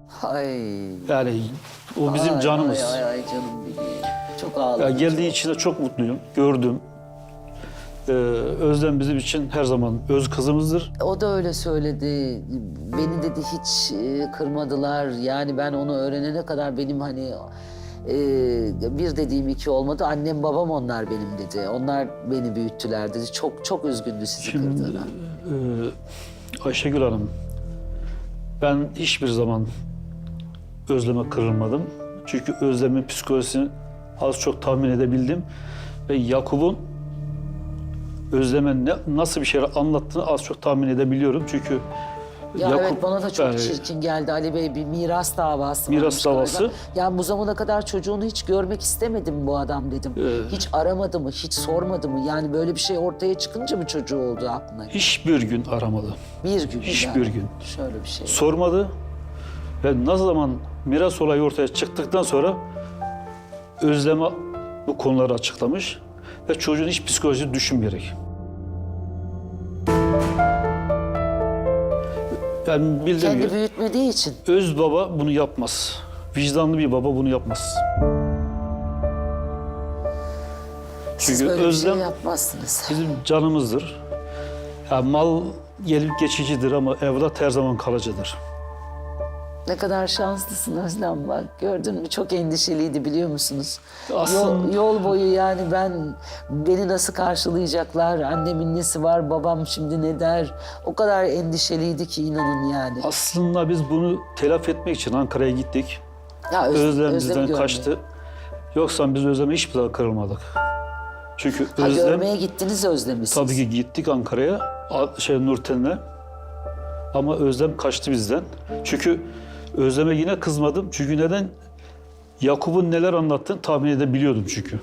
Ay. Yani o bizim Ay, canımız. Ay canım benim. Çok ağladım. Ya geldiği için de çok mutluyum. Gördüm. Özlem bizim için her zaman öz kızımızdır. O da öyle söyledi. Beni dedi hiç kırmadılar. Yani ben onu öğrenene kadar benim hani bir dediğim iki olmadı. Annem babam onlar benim dedi. Onlar beni büyüttüler dedi. Çok çok üzgündü sizi Şimdi kırdığına. Ayşegül Hanım, ben hiçbir zaman Özlem'e kırılmadım. Çünkü Özlem'in psikolojisini az çok tahmin edebildim. Ve Yakup'un Özlem'e nasıl bir şeyler anlattığını az çok tahmin edebiliyorum. Çünkü Ya Yakup, evet bana da çok yani çirkin geldi Ali Bey. Bir miras davası Miras varmış davası. galiba. Yani bu zamana kadar çocuğunu hiç görmek istemedim bu adam dedim. Hiç aramadı mı, hiç sormadı mı? Yani böyle bir şey ortaya çıkınca mı çocuğu oldu aklına? hiçbir gün aramadı. Bir gün. Hiçbir yani. gün. Şöyle bir şey. Sormadı. Ve ne zaman miras olayı ortaya çıktıktan sonra Özlem'e bu konuları açıklamış. Ve çocuğun hiç psikolojisi düşünmeyerek. Yani bildiğim Kendi gibi büyütmediği için. öz baba bunu yapmaz. Vicdanlı bir baba bunu yapmaz. Siz Çünkü böyle bir Özlem şey yapmazsınız. bizim canımızdır. Ya mal gelip geçicidir ama evlat her zaman kalıcıdır. Ne kadar şanslısın Özlem bak. Gördün mü çok endişeliydi biliyor musunuz? Aslında- Yol boyu yani beni nasıl karşılayacaklar? Annemin nesi var? Babam şimdi ne der? O kadar endişeliydi ki inanın yani. Aslında biz bunu telafi etmek için Ankara'ya gittik. Ya Özlem Özlem'i bizden görmeye. kaçtı. Yoksa biz Özlem'e hiçbir zaman kırılmadık. Çünkü Ha, Özlem görmeye gittiniz Özlem'i siz. tabii ki gittik Ankara'ya, Nurten'le. Ama Özlem kaçtı bizden. Çünkü Özlem'e yine kızmadım. Çünkü neden? Yakup'un neler anlattığını tahmin edebiliyordum çünkü.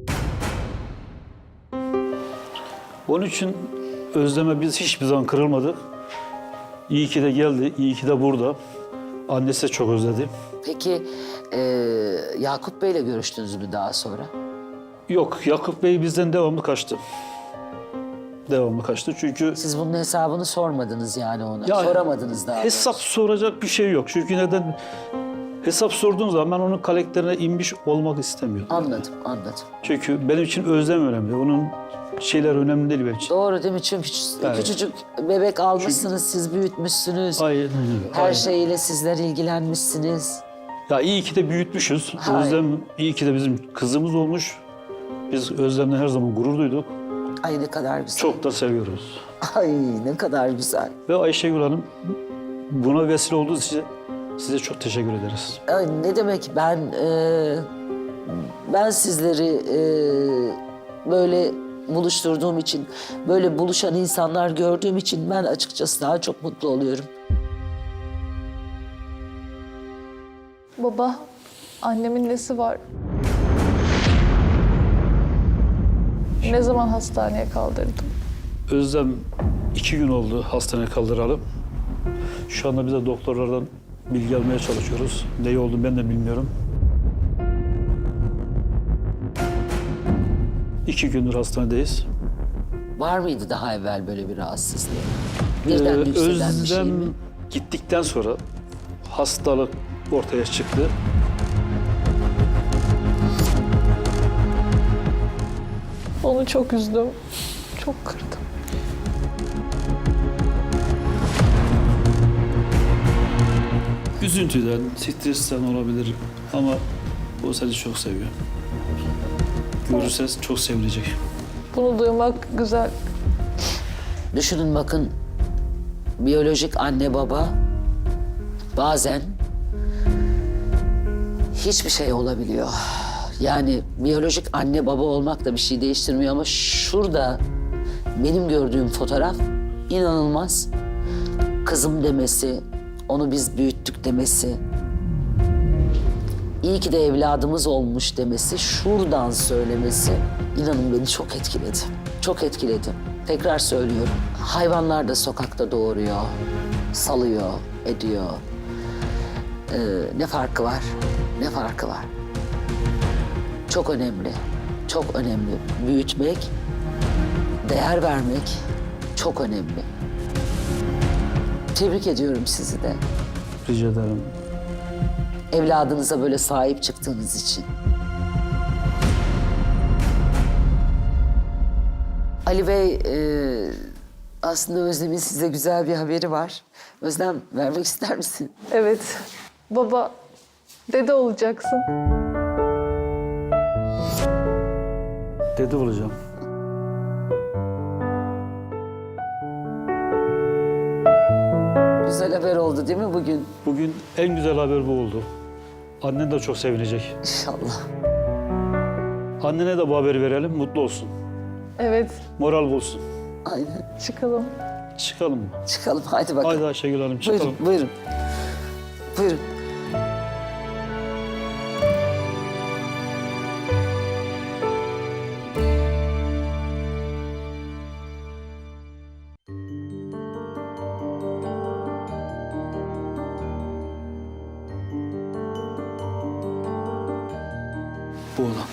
Onun için Özlem'e biz hiçbir zaman kırılmadık. İyi ki de geldi, iyi ki de burada. Annesi de çok özledi. Peki Yakup Bey'le görüştünüz mü daha sonra? Yok, Yakup Bey bizden devamlı kaçtı. Devamlı kaçtı çünkü Siz bunun hesabını sormadınız yani ona. Ya, Soramadınız daha. hesap soracak bir şey yok. Çünkü neden? Hesap sorduğum zaman ben onun karakterine inmiş olmak istemiyorum. Anladım. Çünkü benim için özlem önemli. Onun şeyler önemli değil benim için. Doğru değil mi? Çünkü Evet. küçücük bebek almışsınız, siz büyütmüş. Aynen öyle. Her aynen. şeyle sizler ilgilenmişsiniz. Ya iyi ki de büyütmüşüz. Hayır. Özlem iyi ki de bizim kızımız olmuş. Biz Özlem'le her zaman gurur duyduk. Ay ne kadar güzel. Çok da seviyoruz. Ay ne kadar güzel. Ve Ayşegül Hanım buna vesile olduğunuz için size çok teşekkür ederiz. Ay, ne demek ben sizleri böyle buluşturduğum için, böyle buluşan insanlar gördüğüm için ben açıkçası daha çok mutlu oluyorum. Baba, annemin nesi var? Ne zaman hastaneye kaldırdım? Özlem 2 gün oldu hastaneye kaldıralım. Şu anda biz de doktorlardan bilgi almaya çalışıyoruz. Ne oldu ben de bilmiyorum. 2 gündür hastanedeyiz. Var mıydı daha evvel böyle bir rahatsızlığı? Birden yükselen bir şey Özlem mi? gittikten sonra hastalık ortaya çıktı. Onu çok üzdüm. Çok kırdım. Üzüntüden, stresten olabilir ama o seni çok seviyor. Görürse çok sevilecek. Bunu duymak güzel. Düşünün bakın, biyolojik anne baba bazen hiçbir şey olabiliyor. Yani biyolojik anne baba olmak da bir şey değiştirmiyor ama şurada benim gördüğüm fotoğraf inanılmaz. Kızım demesi, onu biz büyüttük demesi, iyi ki de evladımız olmuş demesi, şuradan söylemesi inanın beni çok etkiledi. Çok etkiledi. Tekrar söylüyorum. Hayvanlar da sokakta doğuruyor, salıyor, ediyor. Ne farkı var? Ne farkı var? Çok önemli. Çok önemli. Büyütmek, değer vermek çok önemli. Tebrik ediyorum sizi de. Rica ederim. Evladınıza böyle sahip çıktığınız için. Ali Bey, aslında Özlem'in size güzel bir haberi var. Özlem, vermek ister misin? Evet. Baba, dede olacaksın. Dede olacağım. Güzel haber oldu değil mi bugün? Bugün en güzel haber bu oldu. Annen de çok sevinecek. İnşallah. Annene de bu haberi verelim, mutlu olsun. Evet, Moral bulsun. Aynen. çıkalım. Çıkalım mı? Çıkalım, hadi bakalım. Haydi Ayşegül Hanım çıkalım. Buyurun, buyurun. Buyurun. Bu olan.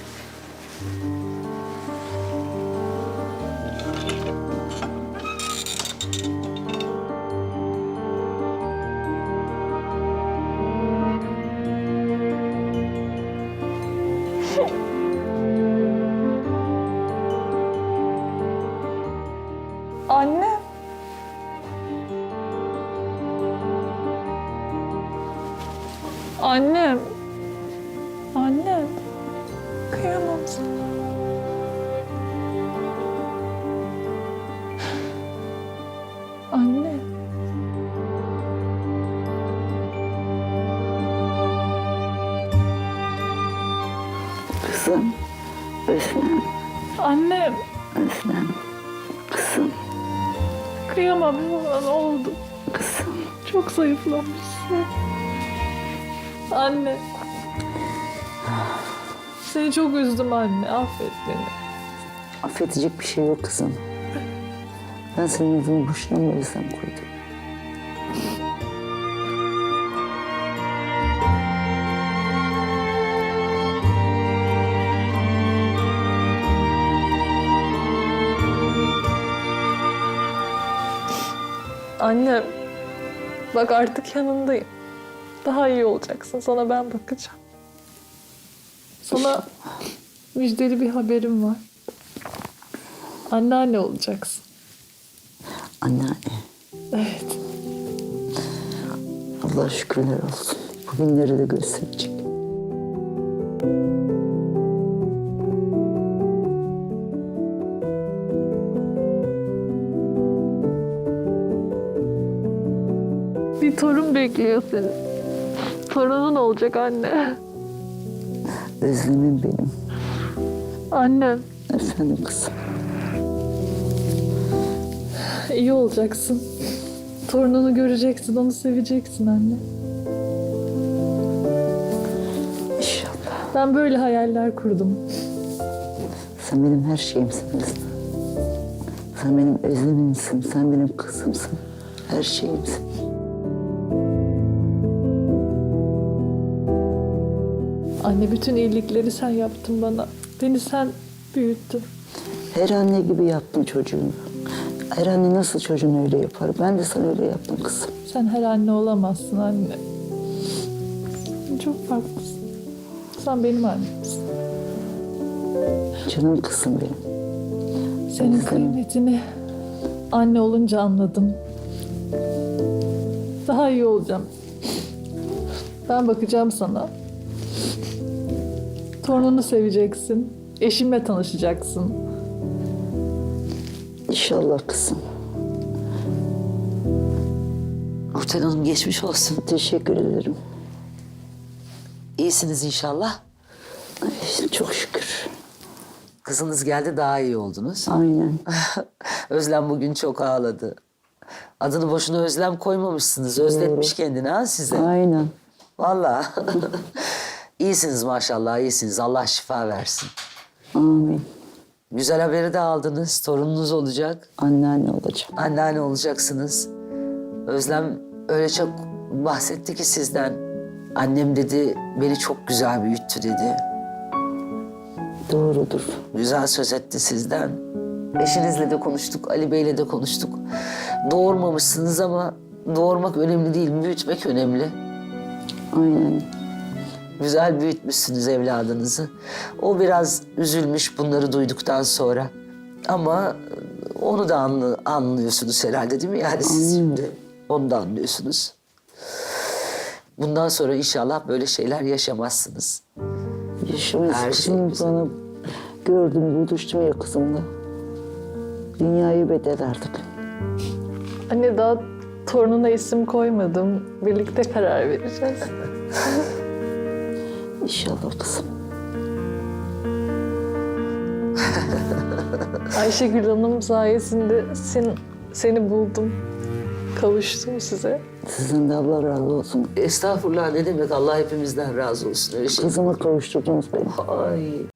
Anne. Annem. Annem. Kıyamam sana. Anne. Kızım, Özlem, Annem. Özlem. Kızım, Kıyamam sana, ne oldu? kızım. Çok zayıflamışsın. Anne. Seni çok üzdüm anne. Affet beni. Affedecek bir şey yok kızım. Ben senin adını boşuna mı Özlem koydum? Annem. Bak artık yanındayım. Daha iyi olacaksın. Sana ben bakacağım. Sana müjdeli bir haberim var. Anneanne olacaksın. Anneanne, Evet. Allah şükürler olsun. Bugünleri de gösterecek. Bir torun bekliyor seni. Torunun olacak anne. Özlemim benim. Annem. Efendim kızım. İyi olacaksın. Torununu göreceksin, onu seveceksin anne. İnşallah. Ben böyle hayaller kurdum. Sen benim her şeyimsin Özlem. Sen benim Özlem'imsin, sen benim kızımsın. Her şeyimsin. Anne, bütün iyilikleri sen yaptın bana. Beni sen büyüttün. Her anne gibi yaptın çocuğunu. Her anne nasıl çocuğunu öyle yapar? Ben de sana öyle yaptım kızım. Sen her anne olamazsın anne. Sen çok farklısın. Sen benim annemsin. Canım kızım benim. Senin kıymetini anne olunca anladım. Daha iyi olacağım. Ben bakacağım sana. Torununu seveceksin. Eşimle tanışacaksın. İnşallah kızım. Nurten Hanım geçmiş olsun. Teşekkür ederim. İyisiniz inşallah. Ay, çok şükür. Kızınız geldi, daha iyi oldunuz. Aynen. Özlem bugün çok ağladı. Adını boşuna Özlem koymamışsınız. Özletmiş kendini ha size. Aynen. Vallahi. İyisiniz maşallah, iyisiniz. Allah şifa versin. Amin. Güzel haberi de aldınız. Torununuz olacak. Anneanne olacağım. Anneanne olacaksınız. Özlem öyle çok bahsetti ki sizden. Annem dedi, beni çok güzel büyüttü dedi. Doğrudur. Güzel söz etti sizden. Eşinizle de konuştuk, Ali Bey'le de konuştuk. Doğurmamışsınız ama doğurmak önemli değil, büyütmek önemli. Aynen. Güzel büyütmüşsünüz evladınızı. O biraz üzülmüş bunları duyduktan sonra. Ama onu da anlıyorsunuz herhalde değil mi? Yani siz şimdi onu da anlıyorsunuz. Bundan sonra inşallah böyle şeyler yaşamazsınız. Yaşımız Her şey kızım güzel. bana gördüm, buluştum ya kızımla. Dünyayı bedel artık. Anne daha torununa isim koymadım. Birlikte karar vereceğiz. İnşallah kızım. Ayşegül Hanım sayesinde seni buldum. Kavuştum size. Sizin de Allah razı olsun. Estağfurullah ne demek, Allah hepimizden razı olsun öyle şey. Kızıma kavuşturdunuz beni. Ay